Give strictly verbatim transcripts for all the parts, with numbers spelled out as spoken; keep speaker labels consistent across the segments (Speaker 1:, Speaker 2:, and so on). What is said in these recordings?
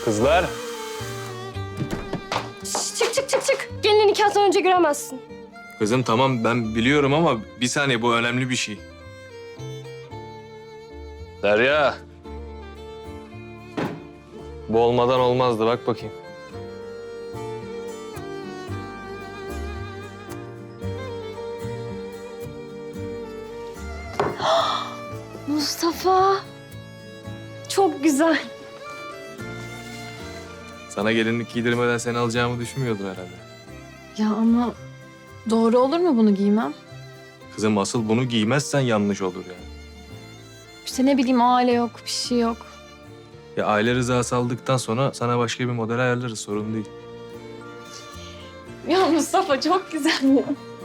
Speaker 1: Kızlar.
Speaker 2: Şş, çık çık çık çık. Gelini nikahtan önce göremezsin.
Speaker 1: Kızım tamam ben biliyorum ama bir saniye bu önemli bir şey. Derya. Bu olmadan olmazdı bak bakayım.
Speaker 2: Mustafa. Çok güzel.
Speaker 1: Sana gelinlik giydirmeden seni alacağımı düşünmüyordun herhalde.
Speaker 3: Ya ama doğru olur mu bunu giymem?
Speaker 1: Kızım asıl bunu giymezsen yanlış olur yani.
Speaker 3: İşte ne bileyim aile yok, bir şey yok.
Speaker 1: Ya aile rızası aldıktan sonra sana başka bir model ayarlarız sorun değil.
Speaker 3: Ya Mustafa çok güzel ya.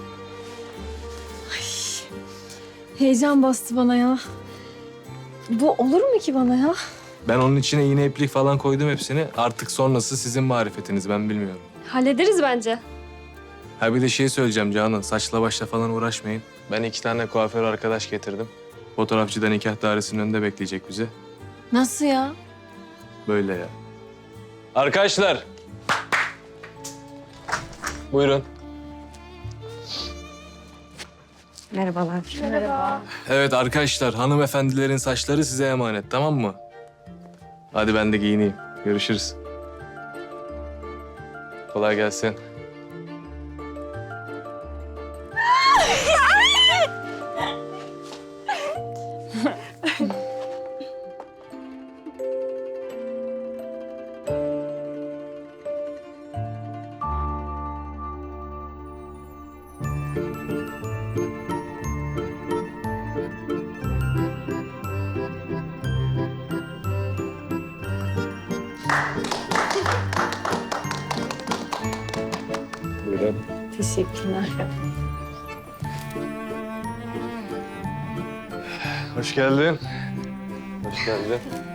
Speaker 3: Ay, heyecan bastı bana ya. Bu olur mu ki bana ya?
Speaker 1: Ben onun içine iğne iplik falan koydum hepsini. Artık sonrası sizin marifetiniz ben bilmiyorum.
Speaker 2: Hallederiz bence.
Speaker 1: Ha bir de şey söyleyeceğim Canan. Saçla başla falan uğraşmayın. Ben iki tane kuaför arkadaş getirdim. Fotoğrafçı da nikah dairesinin önünde bekleyecek bizi.
Speaker 3: Nasıl ya?
Speaker 1: Böyle ya. Arkadaşlar. Buyurun.
Speaker 2: Merhabalar.
Speaker 3: Merhaba.
Speaker 1: Evet arkadaşlar hanımefendilerin saçları size emanet tamam mı? Hadi ben de giyineyim. Görüşürüz. Kolay gelsin. Buyurun.
Speaker 3: Teşekkürler.
Speaker 1: Hoş geldin. Hoş geldin.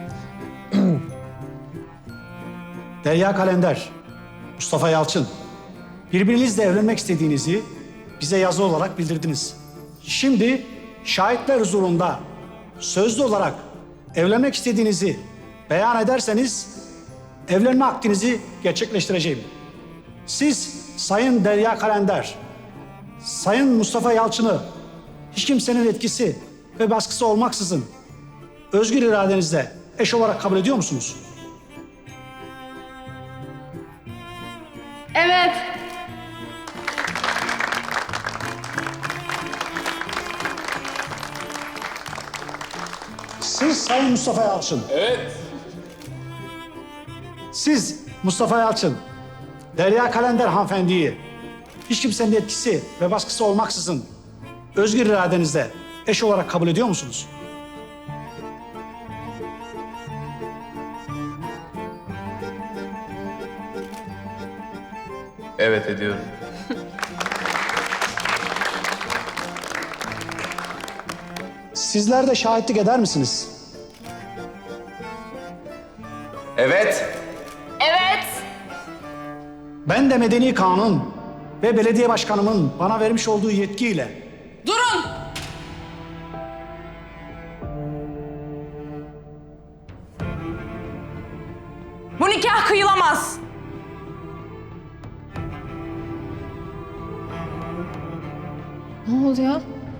Speaker 4: Derya Kalender, Mustafa Yalçın. Birbirinizle evlenmek istediğinizi bize yazı olarak bildirdiniz. Şimdi şahitler huzurunda sözlü olarak evlenmek istediğinizi beyan ederseniz evlenme akdinizi gerçekleştireceğim. Siz Sayın Derya Kalender, Sayın Mustafa Yalçın'ı hiç kimsenin etkisi ve baskısı olmaksızın özgür iradenizle eş olarak kabul ediyor musunuz?
Speaker 2: Evet.
Speaker 4: Siz Sayın Mustafa Yalçın.
Speaker 1: Evet.
Speaker 4: Siz Mustafa Yalçın, Derya Kalender hanımefendiyi hiç kimsenin etkisi ve baskısı olmaksızın özgür iradenizle eş olarak kabul ediyor musunuz?
Speaker 1: Evet ediyorum.
Speaker 4: Sizler de şahitlik eder misiniz?
Speaker 1: Evet.
Speaker 2: Evet.
Speaker 4: Ben de medeni kanun ve belediye başkanımın bana vermiş olduğu yetkiyle
Speaker 5: Durun! Bu nikah kıyılamaz.
Speaker 3: Ne oluyor?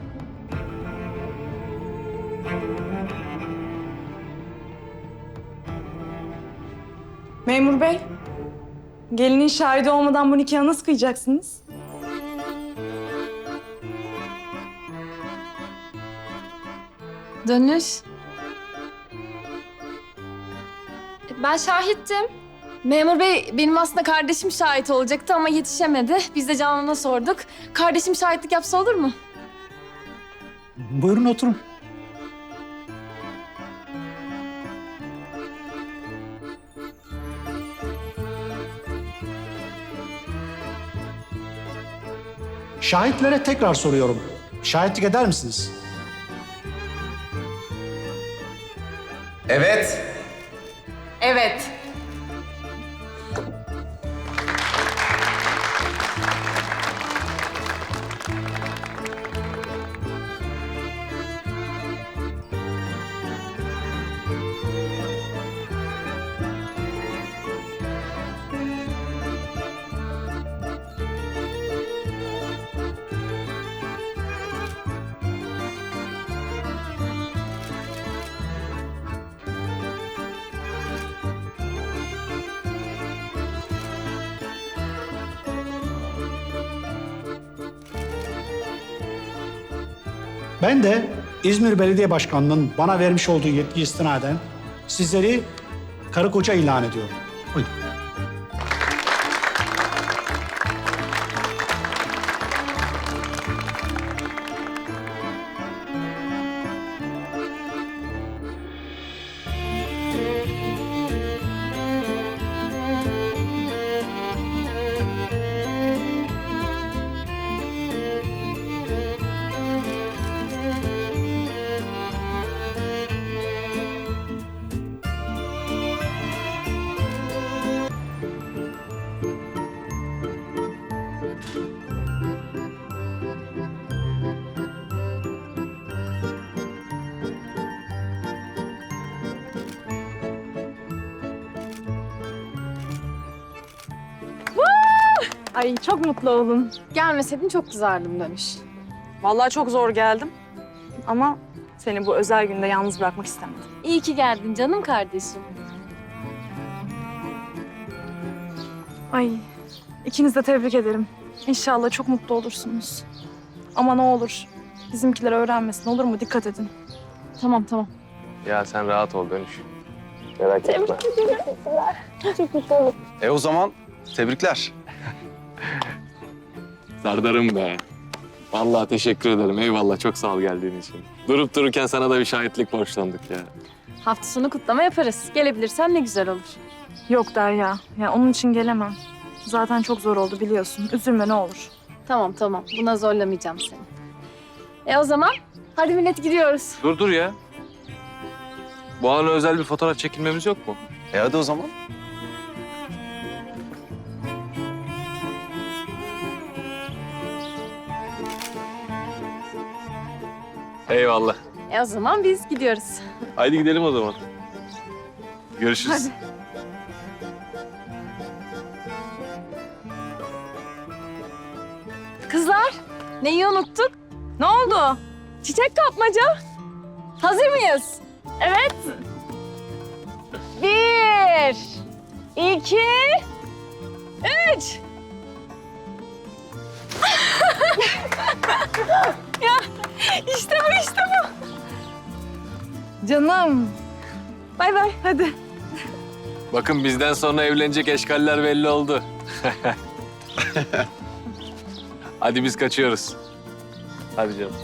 Speaker 5: Memur bey, gelinin şahidi olmadan bu nikahı nasıl kıyacaksınız?
Speaker 3: Dönüş.
Speaker 2: Ben şahittim.
Speaker 3: Memur bey benim aslında kardeşim şahit olacaktı ama yetişemedi. Biz de Canan'a sorduk. Kardeşim şahitlik yapsa olur mu?
Speaker 4: buyurun oturun. Şahitlere tekrar soruyorum. Şahitlik eder misiniz?
Speaker 6: Evet.
Speaker 5: Evet.
Speaker 4: Ben de İzmir Belediye Başkanı'nın bana vermiş olduğu yetki istinaden sizleri karı koca ilan ediyorum. Buyurun.
Speaker 5: Ay çok mutlu oldum.
Speaker 3: Gelmeseydin çok kızardım Dönüş.
Speaker 5: Vallahi çok zor geldim. Ama seni bu özel günde yalnız bırakmak istemedim.
Speaker 3: İyi ki geldin canım kardeşim.
Speaker 5: Ay ikinizi de tebrik ederim. İnşallah çok mutlu olursunuz. Ama ne olur bizimkiler öğrenmesin, olur mu? Dikkat edin.
Speaker 3: Tamam tamam.
Speaker 1: Ya sen rahat ol Dönüş. Merak etme.
Speaker 6: E o zaman tebrikler.
Speaker 1: Serdar'ım be. Vallahi teşekkür ederim. Eyvallah. Çok sağ ol geldiğin için. Durup dururken sana da bir şahitlik borçlandık ya.
Speaker 3: Hafta sonu kutlama yaparız. Gelebilirsen ne güzel olur.
Speaker 5: Yok Derya, ya onun için gelemem. Zaten çok zor oldu biliyorsun. Üzülme ne olur.
Speaker 3: Tamam tamam. Buna zorlamayacağım seni. E o zaman hadi millet gidiyoruz.
Speaker 1: Dur dur ya. Bu ana özel bir fotoğraf çekilmemiz yok mu?
Speaker 6: E hadi o zaman.
Speaker 1: Eyvallah.
Speaker 3: E o zaman biz gidiyoruz.
Speaker 1: Haydi gidelim o zaman. Görüşürüz.
Speaker 3: Kızlar neyi unuttuk?
Speaker 5: Ne oldu?
Speaker 3: Çiçek kapmaca. Hazır mıyız? Evet. Bir, iki, üç. ya işte bu işte bu.
Speaker 5: Canım. Bay bay hadi.
Speaker 1: Bakın bizden sonra evlenecek eşkaller belli oldu. Hadi biz kaçıyoruz. Hadi canım.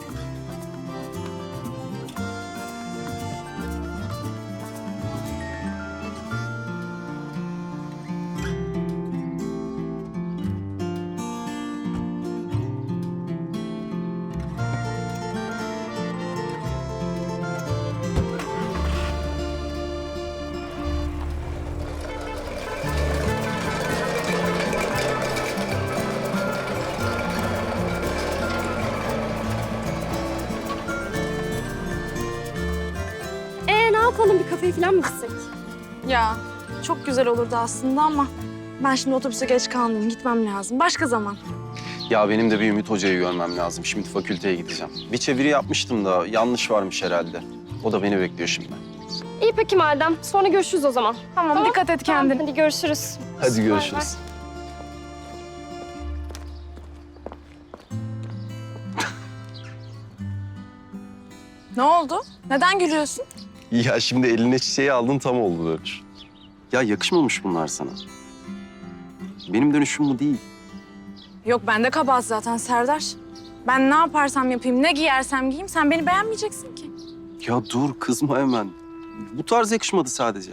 Speaker 2: Ee ne yapalım, bir kafeye falan mı gitsek?
Speaker 5: Ya çok güzel olurdu aslında ama ben şimdi otobüse geç kaldım. Gitmem lazım. Başka zaman.
Speaker 6: Ya benim de bir Ümit Hoca'yı görmem lazım. Şimdi fakülteye gideceğim. Bir çeviri yapmıştım da yanlış varmış herhalde. O da beni bekliyor şimdi.
Speaker 2: İyi peki madem. Sonra görüşürüz o zaman.
Speaker 5: Tamam,
Speaker 2: Tamam,
Speaker 5: dikkat et
Speaker 2: Tamam,
Speaker 5: kendine.
Speaker 2: hadi görüşürüz.
Speaker 6: Hadi görüşürüz.
Speaker 5: Ne oldu? Neden gülüyorsun?
Speaker 6: Ya şimdi eline çiçeği aldın tam oldu Dönüş. Ya yakışmamış bunlar sana. Benim dönüşüm bu değil.
Speaker 5: Yok bende kabahat zaten Serdar. Ben ne yaparsam yapayım, ne giyersem giyeyim sen beni beğenmeyeceksin ki.
Speaker 6: Ya dur kızma hemen. Bu tarz yakışmadı sadece.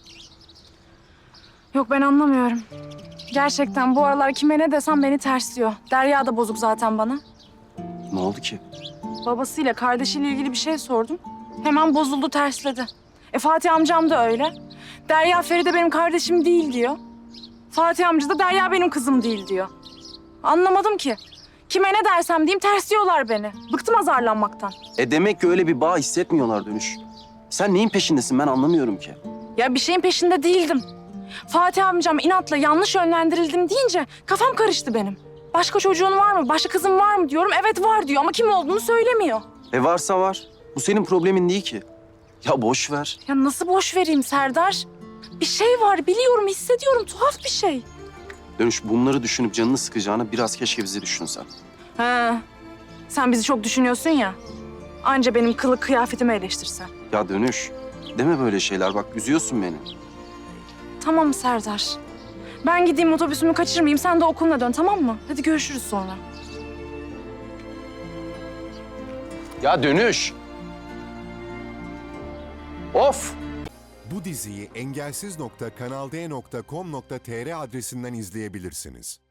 Speaker 5: Yok ben anlamıyorum. Gerçekten bu aralar kime ne desem beni tersliyor. Derya da bozuk zaten bana.
Speaker 6: Ne oldu ki?
Speaker 5: Babasıyla kardeşiyle ilgili bir şey sordum. Hemen bozuldu, tersledi. E Fatih amcam da öyle. Derya Feride benim kardeşim değil diyor. Fatih amca da Derya benim kızım değil diyor. Anlamadım ki. Kime ne dersem diyeyim tersliyorlar beni. Bıktım azarlanmaktan.
Speaker 6: E demek ki öyle bir bağ hissetmiyorlar Dönüş. Sen neyin peşindesin ben anlamıyorum ki.
Speaker 5: Ya bir şeyin peşinde değildim. Fatih amcam inatla yanlış yönlendirildim deyince kafam karıştı benim. Başka çocuğun var mı, başka kızın var mı diyorum. Evet var diyor ama kim olduğunu söylemiyor.
Speaker 6: E varsa var. Bu senin problemin değil ki. Ya boş ver.
Speaker 5: Ya nasıl boş vereyim Serdar? Bir şey var biliyorum, hissediyorum. Tuhaf bir şey.
Speaker 6: Dönüş bunları düşünüp canını sıkacağına biraz keşke bizi düşünsen.
Speaker 5: He. Sen bizi çok düşünüyorsun ya. Anca benim kılık kıyafetimi eleştirsen.
Speaker 6: Ya Dönüş, deme böyle şeyler bak üzüyorsun beni.
Speaker 5: Tamam Serdar. Ben gideyim otobüsümü kaçırmayayım. Sen de okuluna dön, tamam mı? Hadi görüşürüz sonra.
Speaker 6: Ya Dönüş! Of!
Speaker 7: Bu diziyi engelsiz nokta kanalde nokta com nokta tr adresinden izleyebilirsiniz.